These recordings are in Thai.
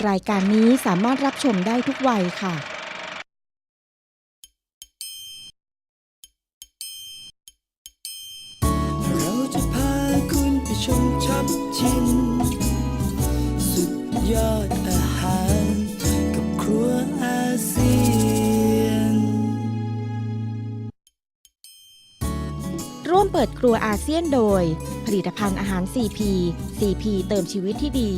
รายการนี้สามารถรับชมได้ทุกวัยค่ะเราจะพาคุณไปชมช็อปชิมสุดยอดอาหารกับครัวอาเซียนร่วมเปิดครัวอาเซียนโดยผลิตภัณฑ์อาหาร CP CP เติมชีวิตที่ดี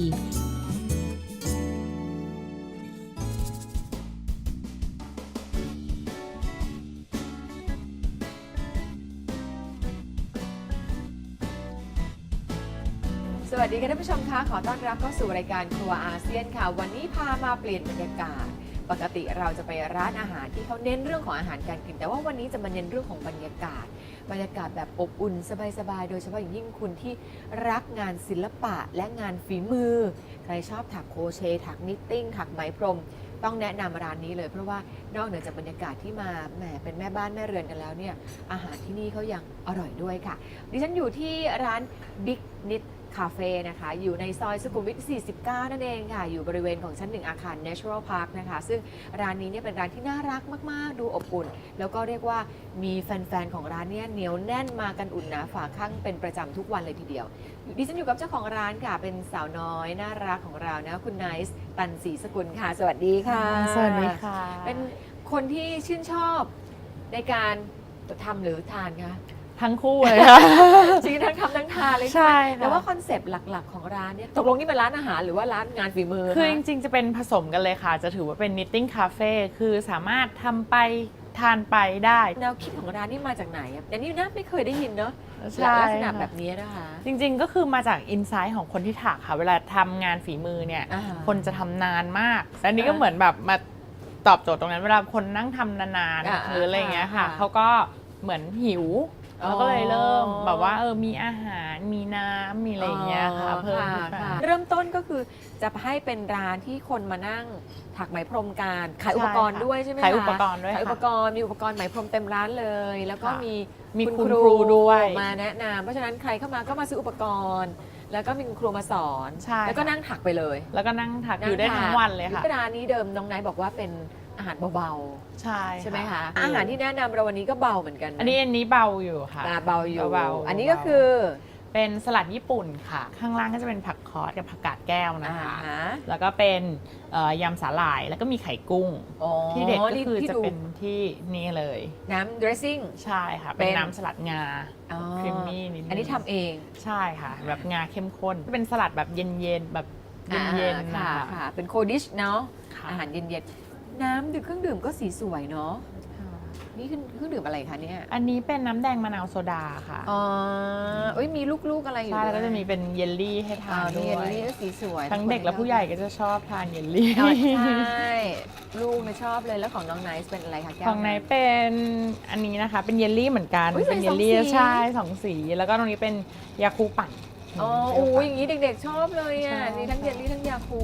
สวัสดีค่ะท่านผู้ชมคะขอต้อนรับเข้าสู่รายการครัวอาเซียนค่ะวันนี้พามาเปลี่ยนบรรยากาศปกติเราจะไปร้านอาหารที่เขาเน้นเรื่องของอาหารการกินแต่ว่าวันนี้จะมาเน้นเรื่องของบรรยากาศแบบอบอุ่นสบายๆโดยเฉพาะอย่างยิ่งคุณที่รักงานศิลปะและงานฝีมือใครชอบถักโครเชต์ถักนิตติ้งถักไหมพรมต้องแนะนำร้านนี้เลยเพราะว่านอกเหนือจากบรรยากาศที่มาแหมเป็นแม่บ้านแม่เรือนกันแล้วเนี่ยอาหารที่นี่เขายังอร่อยด้วยค่ะดิฉันอยู่ที่ร้าน Big Knitคาเฟ่นะคะอยู่ในซอยสุขุมวิท 49 นั่นเองค่ะอยู่บริเวณของชั้น 1 อาคาร Natural Park นะคะซึ่งร้านนี้เนี่ยเป็นร้านที่น่ารักมากๆดูอบอุ่นแล้วก็เรียกว่ามีแฟนๆของร้านเนี่ยเหนียวแน่นมากันอุ่นหนาฝาข้างเป็นประจำทุกวันเลยทีเดียวดิฉันอยู่กับเจ้าของร้านค่ะเป็นสาวน้อยน่ารักของเรานะคุณไนซ์ตันศรีสกุลค่ะสวัสดีค่ะสวัสดีค่ะเป็นคนที่ชื่นชอบในการทำหรือทานคะทั้งคู่เลยค่ะจริงๆทั้งทำทั้งทานเลยใช่ไหมค่ะแต่ว่าคอนเซปต์หลักๆของร้านเนี่ยตกลงนี่เป็นร้านอาหารหรือว่าร้านงานฝีมือคือคะจริงๆจะเป็นผสมกันเลยค่ะ จะถือว่าเป็น knitting cafe คือสามารถทำไปทานไปได้แนวคิดของร้านนี่มาจากไหนอ่ะอันนี้น่าไม่เคยได้ยินเนาะใช่ลักษณะค่ะแบบนี้นะคะจริงๆก็คือมาจากอินไซต์ของคนที่ถักค่ะ เวลาทำงานฝีมือเนี่ยอ่าคนจะทำนานมากแต่อันนี้ก็เหมือนแบบมาตอบโจทย์ตรงนั้น เวลาคนนั่งทำนานๆหรืออะไรอย่างเงี้ยค่ะ เขาก็เหมือนหิวเราก็เลยเริ่มแบบว่ามีอาหารมีน้ำมีอะไรอย่างเงี้ยค่ะเพิ่มขึ้นมาเริ่มต้นก็คือจะให้เป็นร้านที่คนมานั่งถักไหมพรมกันขายอุปกรณ์ด้วยใช่ไหมคะขายอุปกรณ์ด้วยขายอุปค่ะกรณ์มีอุปกรณ์ไหมพรมเต็มร้านเลย แล้วก็ค่ะมีมีคุณครูด้วยมาแนะนำเพราะฉะนั้นใครเข้ามาก็มาซื้ออุปกรณ์ แล้วก็มีคุณครูมาสอนใช่แล้วก็ค่ะนั่งถักไปเลยแล้วก็นั่งถักอยู่ได้ทั้งวันเลยค่ะร้านนี้เดิมน้องไนท์บอกว่าเป็นอาหารเบาใช่ๆใช่ไหมคะอาหารที่แนะนำเราวันนี้ก็เบาเหมือนกันนะอันนี้เบาอยู่ค่ะเบาอยู่เบาอันนี้ก็คือเป็นสลัดญี่ปุ่นค่ะ ข้างล่างก็จะเป็นผักคอสกับผักกาดแก้วนะคะฮะแล้วก็เป็นยำสาหร่ายแล้วก็มีไข่กุ้งอ๋อที่เด็ดก็คือที่จะดูเป็นที่นี่เลยน้ำ dressing ใช่ค่ะเป็เป็นนน้ำสลัดงาอ๋อครีมมี่นิดนึงอันนี้ทำเองใช่ค่ะ แบบงาเข้มข้นเป็นสลัดแบบเย็นๆแบบเย็นๆค่ะนะคะค่ะ เป็นโคดิชเนาะค่ะอาหารเย็นๆ น้ำดื่มเครื่องดื่มก็สีสวยเนาะ นี่คือเครื่องดื่มอะไรคะเนี่ยอันนี้เป็นน้ำแดงมะนาวโซดาค่ะอ๋อเอ้ยมีลูกๆอะไรอยู่ใช่แล้วก็ด้วยจะมีเป็นเยลลี่ให้ทานมีด้เยลวยลี่ก็สีสวยทั้งเด็กและผู้ใหญ่ก็จะชอบทานเยลลี่อ๋อใช่ลูกเนี่ยชอบเลยแล้วของน้องไนซ์เป็นอะไรคะแก้วของในเป็นอันนี้นะคะ เป็นเยลลี่เหมือนกันอุ๊ยเป็นเยลลี่สองสีใช่สองสี แล้วก็ตรงนี้เป็นยาคูปั่นอ๋อเปโอ้รี้วย ปั่นอย่างนี้เด็กๆชอบเลยอ่ะชอบนี่ทั้งเยลลี่ทั้งยาคู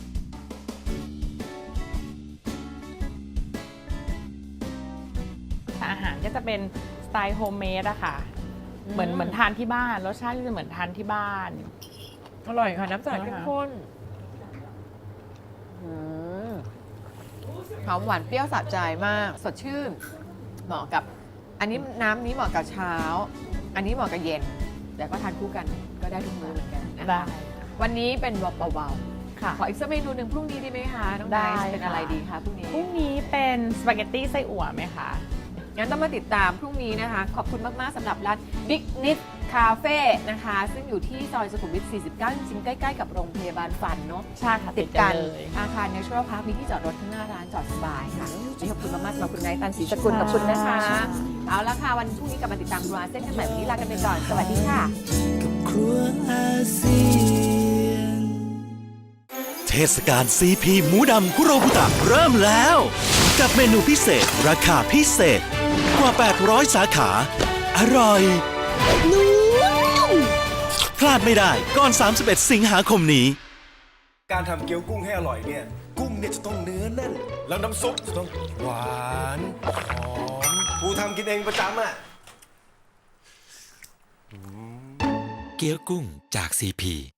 อาหารก็จะเป็นสไตล์โฮมเมดอะค่ะ เหมือนทานที่บ้านรสชาติก็จะเหมือนทานที่บ้านอร่อยค่ะน้ำสลัดนะคะเข้มข้นอืมหอมหวานเปรี้ยวสะใจมาก สดชื่น เหมาะกับ อันนี้น้ำนี้เหมาะกับเช้า อันนี้เหมาะกับเย็น แต่ก็ทานคู่กันก็ได้ทุกมื้อเหมือนกันนะคะได้วันนี้เป็นเบาค่ะๆ ขออีกสักเมนูหนึ่งพรุ่งนี้ดีไหมคะน้องไนได้ซ์เป็นค่ะอะไรดีคะพรุ่งนี้พรุ่งนี้เป็นสปาเกตตี้ไส้อั่วไหมคะงั้นต้องมาติดตามพรุ่งนี้นะคะ ขอบคุณมาก ๆสำหรับร้าน Big Knit Cafe นะคะ ซึ่งอยู่ที่ซอยสุขุมวิท 49 จริงๆ ใกล้ ๆ กับโรงพยาบาลฟันเนาะใช่ค่ะติดกันเลยอาคาร Natural Park มีที่จอดรถข้างหน้าร้านจอดสบายค่ะขอบคุณมากๆสำหรับคุณไนท์ตันศรีสกุลขอบคุณนะคะ เอาละค่ะ วันพรุ่งนี้กลับมาติดตามครัวอาเซียนกันใหม่วันนี้ลากันไปก่อน สวัสดีค่ะกับครัวอาเซียนเทศกาล CP หมูดำคุโรบุตะเริ่มแล้ว กับเมนูพิเศษราคาพิเศษกว่า 800 สาขา อร่อยนุ่มพลาดไม่ได้ก่อน 31 สิงหาคมนี้การทำเกี๊ยวกุ้งให้อร่อยเนี่ย กุ้งเนี่ยจะต้องเนื้อแน่น แล้วน้ำซุปจะต้องหวานหอมกูทำกินเองประจำอ่ะเกี๊ยวกุ้งจาก CP